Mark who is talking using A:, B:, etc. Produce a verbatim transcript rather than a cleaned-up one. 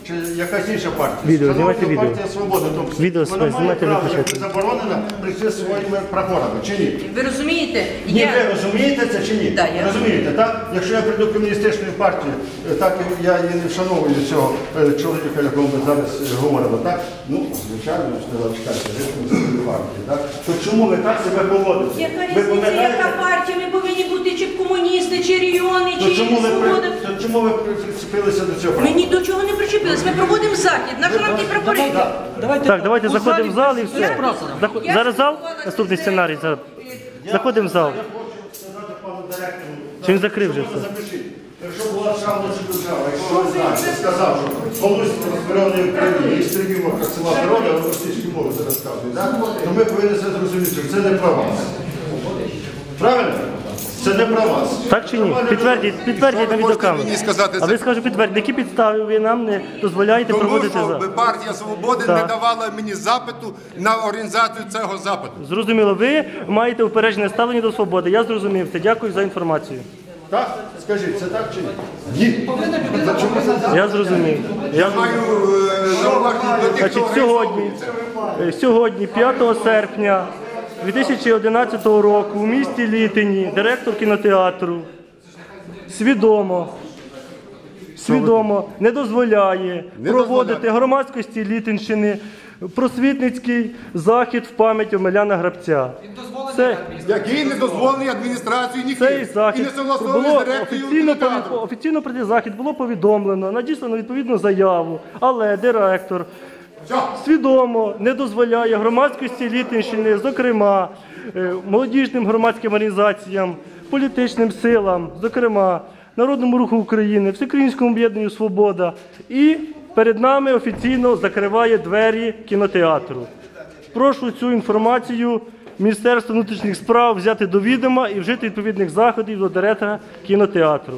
A: чи якась інша партія.
B: Відео,
A: Шановна
B: знімайте відео.
A: партія «Свобода», тобто
B: Відео
A: вона має
B: знімайте,
A: право,
B: виключайте.
A: як заборонена, прийти зі своїми прапорами, чи ні?
C: Ви розумієте?
A: Ні,
C: Я...
A: ви розумієте це чи ні?
C: Да, я
A: розумієте, так? Якщо я прийду до комуністичної партії, е, так і я і не вшановую цього е, чоловіка, якого ми зараз е, говоримо, так? Ну, звичайно, сказав, чекайте, ви ж комуністичної партії, так? То чому ви так себе поводите?
C: Яка
A: Ви
C: різниця,
A: пам'ятаєте?
C: яка партія? Ми повинні бути чи комуністи, чи регіони, чи
A: То чому ви, при-
C: свобода.
A: то чому ви при- прицепилися до цього?
C: Ми ні до чого не причепились. Ми проводимо захід. Наш нам ті прапори.
B: Так, давайте заходимо в зал і все. Заход- Зараз зал? Наступний сценарій. Зараз. Заходимо в зал.
A: Я хочу сказати пану директору.
B: Чи він закрив вже
A: Що ви
B: все?
A: запишіть? Якщо була шановна держава, якщо ви знаєте, сказав, що колись розберений в країні, і стрімів села природа, але російські мови це розказують, так? То ми повинні це зрозуміти, що це не про вас. Правильно? Це не про вас.
B: Так чи ні? Підтвердіть, підтвердіть на відеокамеру.
D: мені сказати
B: А
D: це?
B: ви скажете підтвердіть, які підстави ви нам не дозволяєте
D: Тому
B: проводити
D: що
B: зал?
D: партія «Свободи»
B: Так.
D: не давала мені запиту на організацію цього запиту.
B: Зрозуміло, ви маєте упереджене ставлення до свободи. Я зрозумів це. Дякую за інформацію.
A: Так? Скажіть, це так чи ні? Ні. Та чому це?
B: Я зрозумів. Я
D: Маю е, зауваження до тих,
B: Значить,
D: хто
B: сьогодні,
D: організовує це.
B: е, сьогодні, п'ятого серпня дві тисячі одинадцятого року у місті Літині директор кінотеатру свідомо, свідомо не дозволяє проводити громадськості Літинщини просвітницький захід в пам'ять Омеляна Грабця. Це,
D: Який не дозволений адміністрацією
B: цей
D: ніхто. І
B: захід
D: не согласований
B: було
D: з директором
B: офіційно,
D: кінотеатру.
B: офіційно про цей захід було повідомлено, надіслано відповідну заяву, але директор
D: Все.
B: свідомо не дозволяє громадськості Літинщини, зокрема е, молодіжним громадським організаціям, політичним силам, зокрема Народному руху України, Всеукраїнському об'єднанню «Свобода», і перед нами офіційно закриває двері кінотеатру. Прошу цю інформацію Міністерства внутрішніх справ взяти до відома і вжити відповідних заходів до директора кінотеатру.